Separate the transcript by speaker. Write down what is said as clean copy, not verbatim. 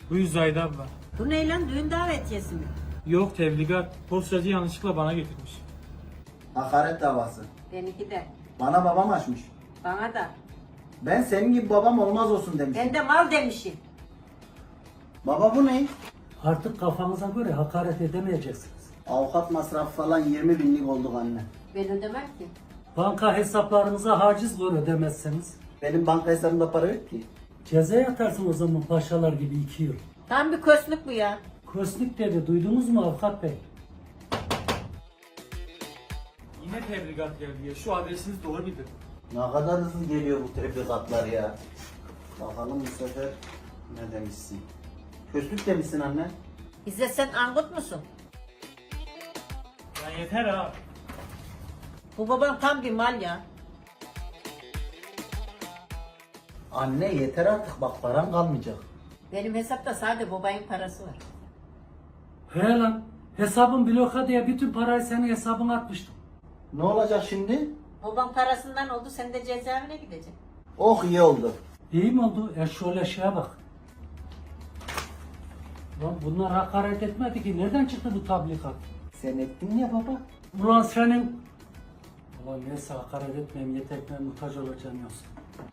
Speaker 1: Buyur Zahide abla.
Speaker 2: Bu ne lan, düğün davetiyesi mi?
Speaker 1: Yok tebligat. Postacı yanlışlıkla bana getirmiş.
Speaker 3: Hakaret davası.
Speaker 2: Benimki de.
Speaker 3: Bana babam açmış.
Speaker 2: Bana da.
Speaker 3: Ben senin gibi babam olmaz olsun demişim.
Speaker 2: Ben de mal demişim.
Speaker 3: Baba bu ne?
Speaker 4: Artık kafanıza göre hakaret edemeyeceksiniz.
Speaker 3: Avukat masrafı falan 20 binlik olduk anne.
Speaker 2: Ben ödemem ki.
Speaker 4: Banka hesaplarınıza haciz var ödemezseniz.
Speaker 3: Benim banka hesabımda para yok ki.
Speaker 4: Ceza yatarsın o zaman paşalar gibi 2 yıl.
Speaker 2: Tam bir köslük bu ya.
Speaker 4: Kösnük dedi, duydunuz mu avukat bey?
Speaker 1: Yine tebligat geldi ya. Şu adresiniz doğru bildirin.
Speaker 3: Ne kadar hızlı geliyor bu tebligatlar ya. Bakalım bu sefer ne demişsin? Köslük demişsin anne.
Speaker 2: İzzet, sen angut musun?
Speaker 1: Ya yeter ha.
Speaker 2: Bu babam tam bir mal ya.
Speaker 3: Anne yeter artık bak param kalmayacak.
Speaker 2: Benim hesapta sadece babayın parası var.
Speaker 4: He lan, hesabın bloka diye bütün parayı senin hesabına atmıştım.
Speaker 3: Ne olacak şimdi?
Speaker 2: Babam parasından oldu, sen de cezaevine gideceksin.
Speaker 3: Oh iyi oldu.
Speaker 4: İyi mi oldu? Şöyle şeye bak. Lan bunlar hakaret etmedi ki. Nereden çıktı bu tablikat?
Speaker 3: Sen ettin ya baba.
Speaker 4: Ulan senin... Ulan neyse hakaret etmeyeyim, yeter ki ben muhtaç olacağım yoksa.